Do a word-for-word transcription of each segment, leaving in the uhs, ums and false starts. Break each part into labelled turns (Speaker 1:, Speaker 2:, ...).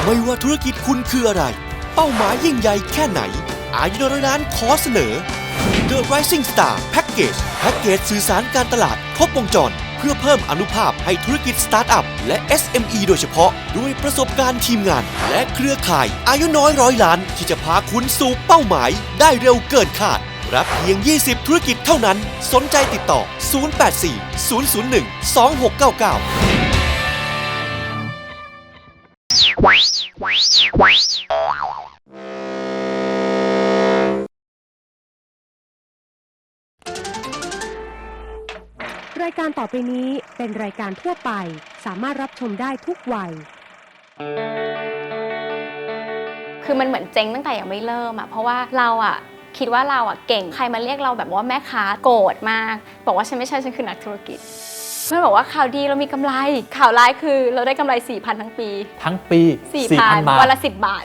Speaker 1: ไม่ว่าธุรกิจคุณคืออะไรเป้าหมายยิ่งใหญ่แค่ไหนอายุน้อยล้านขอเสนอ The Rising Star Package แพ็กเกจสื่อสารการตลาดครบวงจรเพื่อเพิ่มอนุภาพให้ธุรกิจสตาร์ทอัพและ เอส เอ็ม อี โดยเฉพาะด้วยประสบการณ์ทีมงานและเครือข่ายอายุน้อยร้อยล้านที่จะพาคุณสู่เป้าหมายได้เร็วเกินคาดรับเพียงยี่สิบธุรกิจเท่านั้นสนใจติดต่อศูนย์ แปด สี่ ศูนย์ ศูนย์ หนึ่ง สอง หก เก้า เก้า
Speaker 2: รายการต่อไปนี้เป็นรายการทั่วไปสามารถรับชมได้ทุกวัย
Speaker 3: คือมันเหมือนเจ๊งตั้งแต่ยังไม่เริ่มอะเพราะว่าเราอะคิดว่าเราอะเก่งใครมาเรียกเราแบบว่าแม่ค้าโกรธมากบอกว่าฉันไม่ใช่ฉันคือนักธุรกิจเพื่อนบอกว่าข่าวดีเรามีกำไรข่าวร้ายคือเราได้กำไร สี่พัน ทั้งปี
Speaker 4: ทั้งปี
Speaker 3: สี่พัน
Speaker 4: บาท
Speaker 3: วันละสิบบาท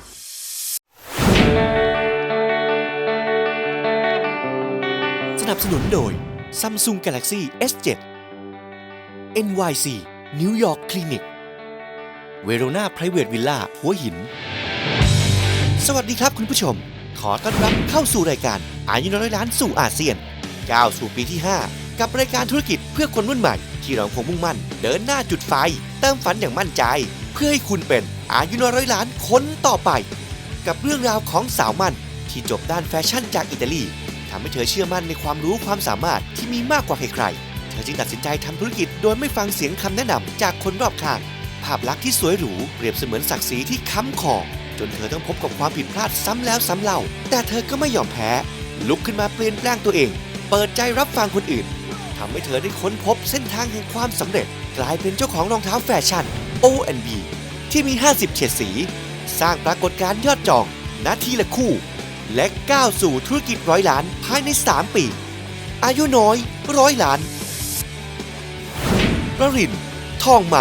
Speaker 1: สนับสนุนโดย Samsung Galaxy เอส เซเว่น เอ็น วาย ซี New York Clinic Verona Private Villa หัวหินสวัสดีครับคุณผู้ชมขอต้อนรับเข้าสู่รายการอายุน้อยล้านสู่อาเซียนก้าวสู่ปีที่ห้ากับรายการธุรกิจเพื่อคนรุ่นใหม่ที่เราคงมุ่งมั่นเดินหน้าจุดไฟเติมฝันอย่างมั่นใจเพื่อให้คุณเป็นอายุน้อยล้านคนต่อไปกับเรื่องราวของสาวมั่นที่จบด้านแฟชั่นจากอิตาลีทำให้เธอเชื่อมั่นในความรู้ความสามารถที่มีมากกว่าใครๆเธอจึงตัดสินใจทำธุรกิจโดยไม่ฟังเสียงคำแนะนำจากคนรอบข้างภาพลักษณ์ที่สวยหรูเปรียบเสมือนศักดิ์ศรีที่ค้ำคอจนเธอต้องพบกับความผิดพลาดซ้ำแล้วซ้ำเล่าแต่เธอก็ไม่ยอมแพ้ลุกขึ้นมาเปลี่ยนแปลงตัวเองเปิดใจรับฟังคนอื่นทำให้เธอได้ค้นพบเส้นทางแห่งความสำเร็จกลายเป็นเจ้าของรองเท้าแฟชั่น โอ แอนด์ บี ที่มีห้าสิบเฉดสีสร้างปรากฏการณ์ยอดจองนาทีละคู่และก้าวสู่ธุรกิจร้อยล้านภายในสามปีอายุน้อยร้อยล้านประรินทองมา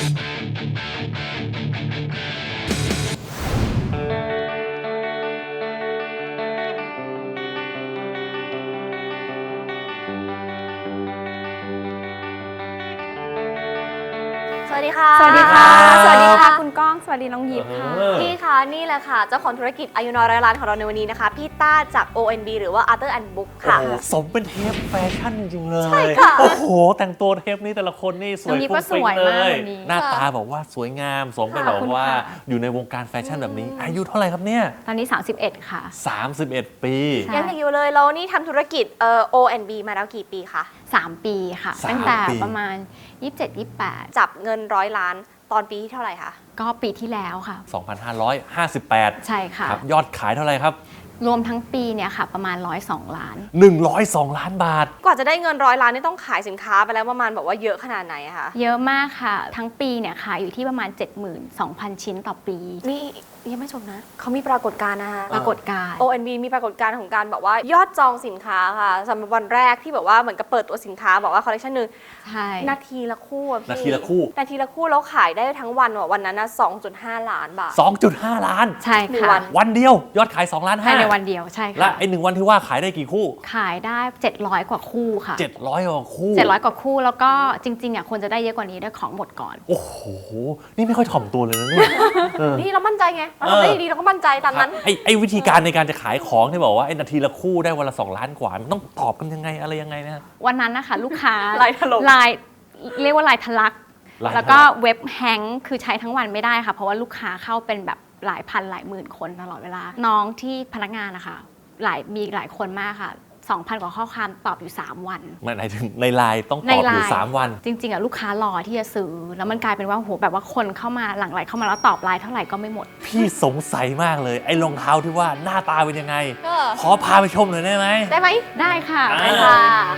Speaker 5: สวัสดีค่ะ
Speaker 3: สวัสดีค่ะสวัสดีค่ะคุณก้องสวัสดีน้องยิปค่ะ
Speaker 5: พี่คะนี่แหละค่ะเจ้าของธุรกิจอายุน้อยร้อยล้านของเราในวันนี้นะคะพี่ต้าจาก โอ เอ็น บี หรือว่า Arthur and Book ค่ะ
Speaker 4: โอ้โหสมเป็นเทปแฟชั่นจริงๆเลย
Speaker 5: ใช่ค่ะ
Speaker 4: โอ้โหแต่งตัวเทปนี้แต่ละคนนี่สวย
Speaker 3: น้องยิปก็
Speaker 4: ฟุ้งฟิ้ง
Speaker 3: สวย
Speaker 4: เล
Speaker 3: มาก
Speaker 4: ย
Speaker 3: วันนี้
Speaker 4: หน้าตาบอกว่าสวยงามสมเป็น
Speaker 3: ข
Speaker 4: แบ
Speaker 3: อบบ คุณ
Speaker 4: ว่า
Speaker 3: ค่ะ
Speaker 4: อยู่ในวงการแฟชั่นแบบนี้ อายุเท่าไหร่ครับเนี่ย
Speaker 3: ตอนนี้สามสิบเอ็ดค่ะ
Speaker 4: สามสิบเอ็ด ปี
Speaker 3: ใช่
Speaker 5: ยังเด็กอยู่เลยแล้วนี่ทำธุรกิจเอ่อ โอ เอ็น บี มาแล้วกี่ปีคะ
Speaker 3: สามปีค่ะ
Speaker 4: สาม
Speaker 3: ตั้งแต่
Speaker 4: ปี
Speaker 3: ประมาณยี่สิบเจ็ด ยี่สิบแปด
Speaker 5: จับเงินร้อยล้านตอนปีที่เท่าไหร่คะ
Speaker 3: ก็ปีที่แล้วค่ะ
Speaker 4: สองพันห้าร้อยห้าสิบแปด
Speaker 3: ใช่ค่ะ
Speaker 4: ครับยอดขายเท่าไหร่ครับ
Speaker 3: รวมทั้งปีเนี่ยค่ะประมาณหนึ่งร้อยสองล้าน
Speaker 4: หนึ่งร้อยสองล้านบาท
Speaker 5: กว่าจะได้เงินร้อยล้านนี่ต้องขายสินค้าไปแล้วประมาณแบบว่าเยอะขนาดไหนอะคะ
Speaker 3: เยอะมากค่ะ ทั้งปีเนี่ยขายอยู่ที่ประมาณ เจ็ดหมื่นสองพัน ชิ้นต่อปี
Speaker 5: นี่ยังไม่จบนะเขามีปรากฏการณ์นะคะ
Speaker 3: ปรากฏการณ์
Speaker 5: โอ เอ็น บี มีปรากฏการณ์ของการแบบว่ายอดจองสินค้าค่ะสำหรับวันแรกที่แบบว่าเหมือนกับเปิดตัวสินค้าบอกว่าคอลเลคชันหนึ่ง
Speaker 3: ใช่
Speaker 5: นาทีละคู่อะพี่
Speaker 4: นาทีละคู่
Speaker 5: นาทีละคู่แล้วขายได้ทั้งวันว่ะวันนั้นนะ สองจุดห้า ล้านบาท
Speaker 4: สองจุดห้า ล้าน
Speaker 3: ใช่
Speaker 5: หนึ่ง
Speaker 3: ค่ะ
Speaker 5: วัน
Speaker 4: วันเดียวยอดขายสองล้าน
Speaker 3: ภา
Speaker 4: ห้าย
Speaker 3: ในวันเดียวใช่
Speaker 4: และ
Speaker 3: ค่ะ
Speaker 4: ไอ้หนึ่งวันที่ว่าขายได้กี่คู่
Speaker 3: ขายได้เจ็ดร้อยกว่าคู่ค่ะ
Speaker 4: เจ็ดร้อยกว่าคู่
Speaker 3: เจ็ดร้อยกว่าคู่แล้วก็จริงๆอ่ะควรจะได้เยอะกว่านี้ด้วยของหมดก่อน
Speaker 4: โอ้โห นี่ไม่ค่อยถ่อมตัวเลยนะเนี่ยเออ
Speaker 5: นี่เรามั่นใจไงเราทำได้ดีๆเราก็มั่นใจตามนั้น
Speaker 4: ไอ้ไอ้วิธีการในการจะขายของที่บอกว่าไอ้นาทีละคู่ได้วันละสองล้านกว่า มันต้องตอบกันยังไงอะไรยังไงนะ
Speaker 3: วันนั้นนะคะลูกค้า
Speaker 5: ลายถล่ม
Speaker 3: ลายเรียกว่าลายทะลัก
Speaker 4: ลายทะลัก
Speaker 3: แล้วก็เว็บแฮงก์คือใช้ทั้งวันไม่ได้ค่ะ เพราะว่าลูกค้าเข้าเป็นแบบหลายพันหลายหมื่นคนตลอดเวลา น้องที่พนักงานนะคะหลายมีหลายคนมากค่ะสองพันกว่าข้อความตอบอยู่สามวัน
Speaker 4: มันหมายถึงในไลน์ต้องต
Speaker 3: ใน
Speaker 4: อบ
Speaker 3: ไล
Speaker 4: อยู่
Speaker 3: น์
Speaker 4: สามวัน
Speaker 3: จริงๆอ่ะลูกค้ารอที่จะซื้อแล้วมันกลายเป็นว่าโหแบบว่าคนเข้ามาหลั่งไหลเข้ามาแล้วตอบไลน์เท่าไหร่ก็ไม่หมด
Speaker 4: พี่สงสัยมากเลยไอ้รองเท้าที่ว่าหน้าตาเป็นยังไง
Speaker 5: เออ
Speaker 4: ขอพาไปชมหน่อยได้ไหม
Speaker 5: ได้ไหม
Speaker 3: ได้ค่ะ
Speaker 4: อ่า
Speaker 5: ได้ค่ะ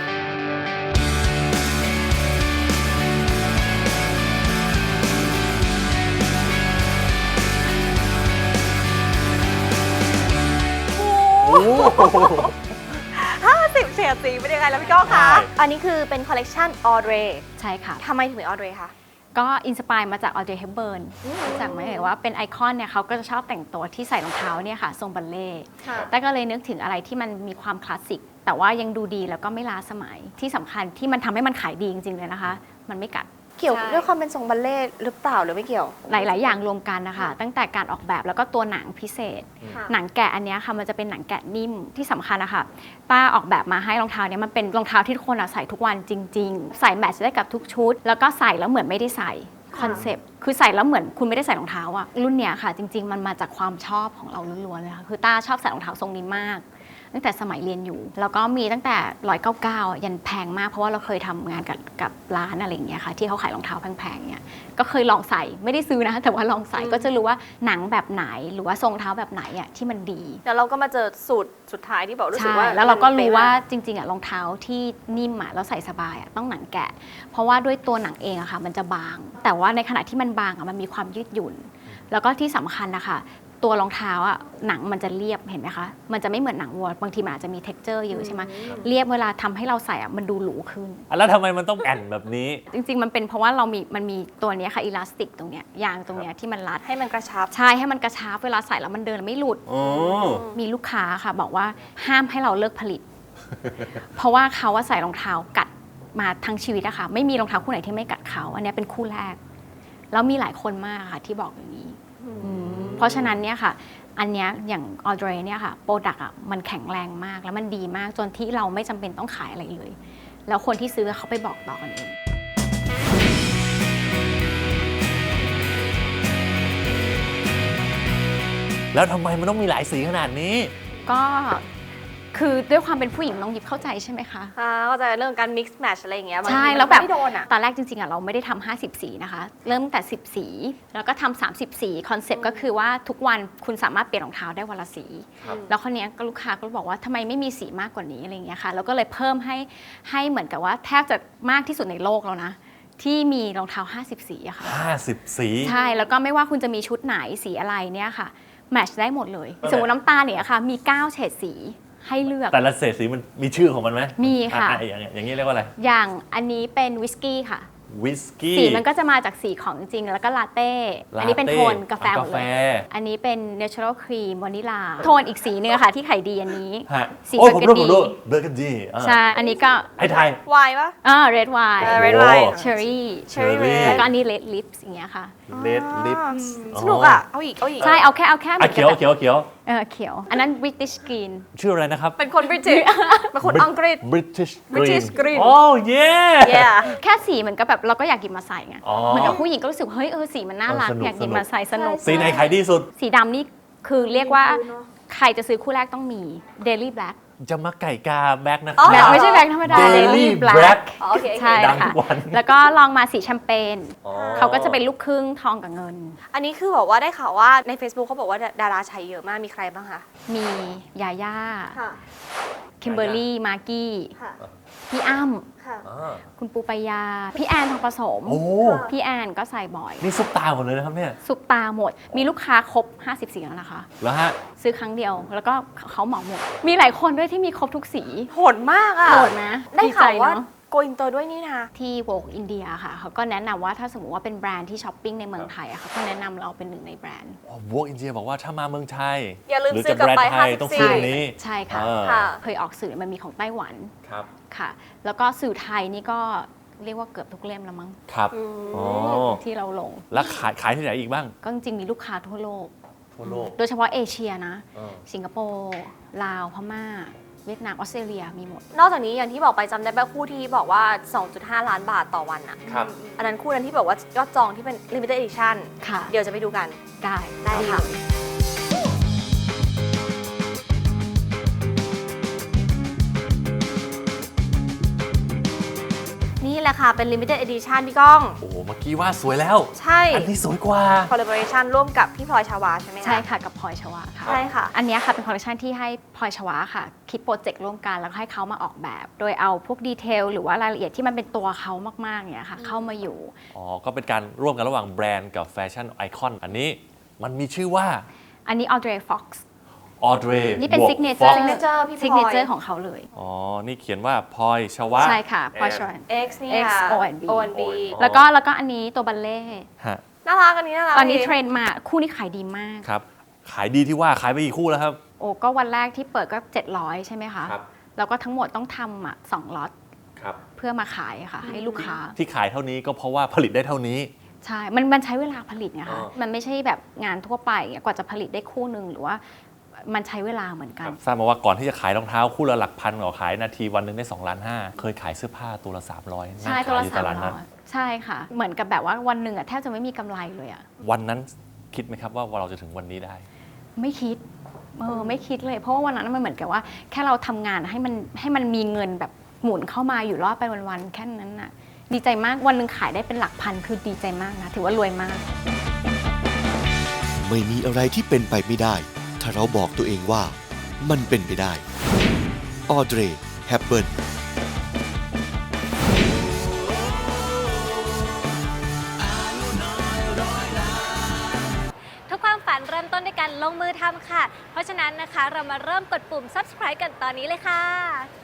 Speaker 4: โอ้โห
Speaker 5: ห้าสิบเฉดสีเป็นยังไงแล้วพี่ก้องคะ
Speaker 4: ใช่
Speaker 5: อันนี้คือเป็นคอลเลกชันออเดร
Speaker 3: ใช่ค่ะ
Speaker 5: ทำไมถึงเป็นออเดรคะ
Speaker 3: ก็อินสปายมาจากออเดร เฮปเบิร์นจากไหมเอ่ยว่าเป็นไอคอนเนี่ยเขาก็จะชอบแต่งตัวที่ใส่รองเท้าเนี่ยค่ะทรงบัลเล่ต์
Speaker 5: ค่ะ
Speaker 3: แต่ก็เลยนึกถึงอะไรที่มันมีความคลาสสิกแต่ว่ายังดูดีแล้วก็ไม่ล้าสมัยที่สำคัญที่มันทำให้มันขายดีจริงๆเลยนะคะ มันไม่กัด
Speaker 5: เกี่ยว
Speaker 3: ใช่
Speaker 5: ด้วยความเป็นทรงบัลเล่ต์หรือเปล่าหรือไม่เกี่ยว
Speaker 3: หลาย ๆ อย่างรวมกันนะคะตั้งแต่การออกแบบแล้วก็ตัวหนังพิเศษ
Speaker 5: ค่ะ
Speaker 3: หนังแกะอันเนี้ยค่ะมันจะเป็นหนังแกะนิ่มที่สำคัญนะคะป้าออกแบบมาให้รองเท้าเนี้ยมันเป็นรองเท้าที่ทุกคนอะใส่ทุกวันจริง ๆ ใส่แมทช์ได้กับทุกชุด แล้วก็ใส่แล้วเหมือนไม่ได้ใส่คอนเซปต์คือใส่แล้วเหมือนคุณไม่ได้ใส่รองเท้าอะรุ่นเนี้ยค่ะจริง ๆ มันมาจากความชอบของเราล้วนๆเลยค่ะคือต้าชอบใส่รองเท้าทรงนี้มาก ตั้งแต่สมัยเรียนอยู่ แล้วก็มีตั้งแต่หนึ่งร้อยเก้าสิบเก้ายันแพงมากเพราะว่าเราเคยทำงานกับกับร้านอะไรอย่างเงี้ยค่ะที่เขาขายรองเท้าแพงๆเนี่ยก็เคยลองใส่ไม่ได้ซื้อนะแต่ว่าลองใส่ก็จะรู้ว่าหนังแบบไหนหรือว่าทรงเท้าแบบไหนอ่ะที่มันดี
Speaker 5: แล้วเราก็มาเจอสูตรสุดท้ายที่บอกรู้สึก
Speaker 3: ใช่
Speaker 5: ว่า
Speaker 3: แล้วเราก็
Speaker 5: มัน
Speaker 3: รู้
Speaker 5: ป๊ะ
Speaker 3: ว่าจริงๆอ่ะรองเท้าที่นิ่มอ่ะแล้วใส่สบายอ่ะต้องหนังแกะ เพราะว่าด้วยตัวหนังเองอะค่ะมันจะบาง แต่ว่าในขณะที่มันบางอ่ะมันมีความยืดหยุ่น แล้วก็ที่สำคัญนะคะตัวรองเท้าอ่ะหนังมันจะเรียบเห็นไหมคะมันจะไม่เหมือนหนังวัวบางทีมันอาจจะมี เท็กเจอร์ เยอะใช่ไหมเรียบเวลาทำให้เราใส่อ่ะมันดูหรูขึ้น
Speaker 4: อ่ะแล้วทำไมมันต้องแอนแบบนี้
Speaker 3: จริงๆ มันเป็นเพราะว่าเรามีมันมีตัวเนี้ยค่ะอิลาสติกตรงเนี้ยยางตรงเนี้ยที่มันรัด
Speaker 5: ให้มันกระชับ
Speaker 3: ใช่ให้มันกระชับเวลาใส่แล้วมันเดินไม่หลุด
Speaker 4: อ๋อ
Speaker 3: มีลูกค้าค่ะบอกว่าห้ามให้เราเลิกผลิต เพราะว่าเขาว่าใส่รองเท้ากัดมาทั้งชีวิตอะค่ะไม่มีรองเท้าคู่ไหนที่ไม่กัดเขาอันเนี้ยเป็นคู่แรก แล้วมีหลายคนมากค่ะที่บอกอย่างนี้อืมเพราะฉะนั้นเนี่ยค่ะ อันเนี้ยอย่างออเดรเนี่ยค่ะโปรดักต์อะมันแข็งแรงมากแล้วมันดีมากจนที่เราไม่จำเป็นต้องขายอะไรเลย แล้วคนที่ซื้อเขาไปบอกต่อกันเอง
Speaker 4: แล้วทำไมมันต้องมีหลายสีขนาดนี้
Speaker 3: ก็คือด้วยความเป็นผู้หญิงน้องยิบเข้าใจใช่ไหมคะ
Speaker 5: อ่าเข้าใจเรื่องการ mix match อะไรอย่างเงี้ยบางที
Speaker 3: ใช่
Speaker 5: มัน
Speaker 3: แล้วแบบ
Speaker 5: ไม่โดนอ่ะ
Speaker 3: ตอนแรกจริงๆอ่ะเราไม่ได้ทำห้าสิบสีนะคะ เริ่มตั้งแต่สิบสี แล้วก็ทำสามสิบสีคอนเซปต์ก็คือว่าทุกวันคุณสามารถเปลี่ยนรองเท้าได้วันละสี
Speaker 4: ครับ
Speaker 3: แล้วคนนี้ยก็ลูกค้าก็บอกว่าทำไมไม่มีสีมากกว่านี้อะไรอย่างเงี้ยค่ะแล้วก็เลยเพิ่มให้ให้เหมือนกับว่าแทบจะมากที่สุดในโลกแล้วนะ ที่มีรองเท้าห้าสิบสีอะค่ะ
Speaker 4: ห้าสิบสี
Speaker 3: ใช่แล้วก็ไม่ว่าคุณจะมีชุดไหนสีอะไรเนี่ยค่ะแมทช์ได้หมดเลย สมมติน้ำตาลเนี่ยค่ะมีเก้าเฉดสีให้เลือก
Speaker 4: แต่ละเศษสีมันมีชื่อของมันไหม
Speaker 3: มีค่ะ
Speaker 4: อ่อย่างอย่างนี้เรียกว่าอะไร
Speaker 3: อย่างอันนี้เป็นวิสกี้ค่ะ
Speaker 4: วิสกี้
Speaker 3: สีมันก็จะมาจากสีของจริงๆ แล้วก็ลาเต้
Speaker 4: ลาเต้
Speaker 3: อันนี้เป็นโทนกาแฟหมด
Speaker 4: กา
Speaker 3: เล
Speaker 4: แฟ
Speaker 3: ย อันนี้เป็น natural cream วานิลา โทนอีกสีนึงอะค่ะที่ขายดีอันนี้
Speaker 4: ฮะ
Speaker 3: สี
Speaker 4: โอ้ยผมรู้
Speaker 3: burgundy
Speaker 4: ผมรู้เบอร์กันดี
Speaker 3: ใช่ อันนี้ก็
Speaker 4: ให้ไทย
Speaker 5: วายปะ
Speaker 3: อ่า red wine
Speaker 5: เออ red
Speaker 4: โอ้
Speaker 5: wine
Speaker 3: cherry
Speaker 5: cherry
Speaker 4: red
Speaker 3: แล้วก็อันนี้ red lips อย่างเงี้ยค่ะ
Speaker 4: เลดลิป
Speaker 5: สนุกอ่ะ เอาอีก เอาอีก
Speaker 3: ใช่ เอาแค่เอาแค่เหมื
Speaker 4: อ่ะ
Speaker 3: อนกั
Speaker 4: เขียว
Speaker 3: แบบ
Speaker 4: เขียวเขียว
Speaker 3: เออเขียว อันนั้น British green
Speaker 4: ชื่ออะไรนะครับ
Speaker 5: เป็นคนบริติชเป็นคนอังกฤษ
Speaker 4: British
Speaker 5: British Green
Speaker 4: โอ้เย่
Speaker 5: yeah
Speaker 3: แค่สีเหมือนกับแบบเราก็อยากหยิบมาใส่ไง
Speaker 4: อ๋อ
Speaker 3: เหมือนกับผู้หญิงก็รู้สึกเฮ้ยเออสีมันน่ารัก
Speaker 4: เออสนุก
Speaker 3: อยากหยิบมาใส่สนุก
Speaker 4: สีไหนขายดีสุด
Speaker 3: สีดำนี่คือเรียกว่าใครจะซื้อคู่แรกต้องมี Daily Black
Speaker 4: จะมาไก่กาแบ็กนะค
Speaker 5: อ๋อ
Speaker 3: แบ
Speaker 4: รั
Speaker 3: ล็
Speaker 4: บ
Speaker 3: คไม่ใช่แบล็คธรรมดา
Speaker 4: Daily
Speaker 3: Daily
Speaker 4: Black
Speaker 3: Black
Speaker 5: อ๋อโอเคโอเค
Speaker 3: ใช่
Speaker 4: ดังทุ
Speaker 3: ค่ะ
Speaker 4: กวัน
Speaker 3: แล้วก็ลองมาสีแชมเปญ
Speaker 4: อ๋อ
Speaker 3: เขาก็จะเป็นลูกครึ่งทองกับเงิน
Speaker 5: อันนี้คือบอกว่าได้ข่าวว่าใน Facebook เขาบอกว่าดาราใช้เยอะมาก มีใครบ้างคะ
Speaker 3: มียาย่า
Speaker 5: ค่ะ
Speaker 3: คิมเบอร์รี่ มากกี้
Speaker 5: ค่ะ
Speaker 3: พี่อ้ำ
Speaker 5: ค่ะ
Speaker 4: อ่า
Speaker 3: คุณปูปายา พี่แอนทองผสม
Speaker 4: โอ้
Speaker 3: พี่แอนก็ใส่บ่อย
Speaker 4: นี่ซุปตาหมดเลยนะครับเนี่ย
Speaker 3: ซุปตาหมด มีลูกค้าครบ ห้าสิบสีแล้วนะคะ
Speaker 4: แล้วฮะ
Speaker 3: ซื้อครั้งเดียว แล้วก็เขาเหมาหมด มีหลายคนด้วยที่มีครบทุกสี
Speaker 5: โหดมากอ่ะ
Speaker 3: โหดนะ
Speaker 5: ได้ข่าวว่า
Speaker 3: ดีใจเนอะ
Speaker 5: โกอินเตอร์ด้วยนี่นะ
Speaker 3: ที่ Vogue India ค่ะเขาก็แนะนำว่าถ้าสมมติว่าเป็นแบรนด์ที่ช้อปปิ้งในเมืองไทยอะเขาก็แนะนำเราเป็นหนึ่งในแบรนด์
Speaker 4: วอกอินเดียบอกว่าถ้ามาเมืองไทย
Speaker 5: อย่าลืม
Speaker 4: หรือ
Speaker 5: ซื้
Speaker 4: จะ
Speaker 5: อกลับ
Speaker 4: แบรน
Speaker 5: ไป
Speaker 4: ด์ไทย
Speaker 5: ห้าสิบ
Speaker 4: ต้องซื้อ
Speaker 5: สี่
Speaker 4: อันนี้
Speaker 3: ใช่ค่ะ
Speaker 4: อ่า
Speaker 5: ค่ะ
Speaker 3: เคยออกสื่อมันมีของไต้หวัน
Speaker 4: ครับ
Speaker 3: ค่ะ แล้วก็สื่อไทยนี่ก็เรียกว่าเกือบทุกเล่มแล้วมั้ง
Speaker 4: ครับ
Speaker 5: อืม
Speaker 4: อ๋อ
Speaker 3: ที่เราลง
Speaker 4: แล้วขายขายที่ไหนอีกบ้าง
Speaker 3: ก็จริงๆมีลูกค้าทั่วโลก
Speaker 4: ทั่วโลก
Speaker 3: โดยเฉพาะเอเชียนะ
Speaker 4: เออ
Speaker 3: สิงคโปร์ลาวพม่า เวียดนามออสเตรเลียมีหมด
Speaker 5: นอกจากนี้อย่างที่บอกไปจำได้ป่ะคู่ที่บอกว่า สองจุดห้า ล้านบาทต่อวันอ่ะ
Speaker 4: ครับ
Speaker 5: อันนั้นคู่นั้นที่บอกว่ายอดจองที่เป็น limited edition
Speaker 3: ค่ะ
Speaker 5: เดี๋ยวจะไปดูกัน
Speaker 3: ได้
Speaker 5: ได้ค่ะ
Speaker 3: เลย
Speaker 5: นี่แหละค่ะ เป็น limited edition พี่ก้อง
Speaker 4: โอ้โหเมื่อกี้ว่าสวยแล้ว
Speaker 5: ใช่
Speaker 4: อันนี้สวยกว่า
Speaker 5: collaboration ร่วมกับพี่พลอยชาวาใช่ไหมคะ
Speaker 3: ใช่ค่ะกับพลอยชวาค่ะ
Speaker 5: ใช่ค่ะ
Speaker 3: อันเนี้ยค่ะเป็นคอลเลคชันที่ให้พลอยชวาค่ะ คิดโปรเจกต์ร่วมกันแล้วก็ให้เขามาออกแบบ โดยเอาพวกดีเทลหรือว่ารายละเอียดที่มันเป็นตัวเขามากๆเนี่ยค่ะ เข้ามาอยู่
Speaker 4: อ๋อ ก็เป็นการร่วมกันระหว่างแบรนด์กับแฟชั่นไอคอน อันนี้มันมีชื่อว่า
Speaker 3: อันนี้ออเดรฟ็อกซ์
Speaker 4: ออเดร
Speaker 3: นี่เป็น
Speaker 4: บวก
Speaker 3: ซิกเนเจ
Speaker 4: ฟ็
Speaker 3: อ
Speaker 4: อก
Speaker 3: ร์
Speaker 4: ซ์
Speaker 5: signature พี่พลอย
Speaker 3: ซิกเนเจอร์ของเขาเลย
Speaker 4: อ๋อ นี่เขียนว่าพลอยชวะ
Speaker 3: ใช่ค่ะพลอยชวา
Speaker 5: X นี่
Speaker 3: X
Speaker 5: ค่ะ
Speaker 3: O and B
Speaker 5: O and B
Speaker 3: แล้วก็แล้วก็อันนี้ตัวบัลเล่
Speaker 4: ฮะ
Speaker 5: น่ารักอันนี้น่ารัก
Speaker 3: ตอนนี้
Speaker 5: ดี
Speaker 3: เทรนด์มาคู่นี้ขายดีมาก
Speaker 4: ครับ ขายดีที่ว่าขายไปกี่คู่แล้วครับ
Speaker 3: โอ้ก็วันแรกที่เปิดก็เจ็ดร้อยใช่ไหมคะ
Speaker 4: ครับ
Speaker 3: แล้วก็ทั้งหมดต้องทำอ่ะสองล็อต
Speaker 4: ครับ
Speaker 3: เพื่อมาขายค่ะให้ลูกค้า
Speaker 4: ที่ขายเท่านี้ก็เพราะว่าผลิตได้เท่านี้
Speaker 3: ใช่มันมันใช้เวลาผลิตไง
Speaker 4: อ๋
Speaker 3: คะ
Speaker 4: อ
Speaker 3: มันไม่ใช่แบบงานทั่วไปอะกว่าจะผลิตได้คู่หนึ่งหรือว่ามันใช้เวลาเหมือนกัน
Speaker 4: ทราบมาว่าก่อนที่จะขายรองเท้าคู่ละหลักพันก็ขายนาทีวันหนึ่งได้สองล้านห้าเคยขายเสื้อผ้าตัวละสามร้อย
Speaker 3: ใช่ตัวละ
Speaker 4: อยู่
Speaker 3: สาม
Speaker 4: ตลาด
Speaker 3: ร้
Speaker 4: นั
Speaker 3: อ
Speaker 4: ด
Speaker 3: ยใช่ค่ะ เหมือนกับแบบว่าวันหนึ่งอะแทบจะไม่มีกำไรเลยอะ
Speaker 4: วันนั้นคิดไหมครับว่าเราจะถึงวันนี้ได้
Speaker 3: ไม่คิดเออไม่คิดเลย เพราะว่าวันนั้นมันเหมือนกับว่าแค่เราทำงานให้มันให้มันมีเงินแบบหมุนเข้ามาอยู่รอดไปวันๆแค่นั้นน่ะดีใจมากวันหนึ่งขายได้เป็นหลักพันคือดีใจมากนะถือว่ารวยมาก
Speaker 1: ไม่มีอะไรที่เป็นไปไม่ได้ ถ้าเราบอกตัวเองว่ามันเป็นไปได้ ออเดร แฮปเบิร์น
Speaker 6: ทุกความฝันเริ่มต้นด้วยการลงมือทำค่ะ เพราะฉะนั้นนะคะเรามาเริ่มกดปุ่ม ซับสไครบ์ กันตอนนี้เลยค่ะ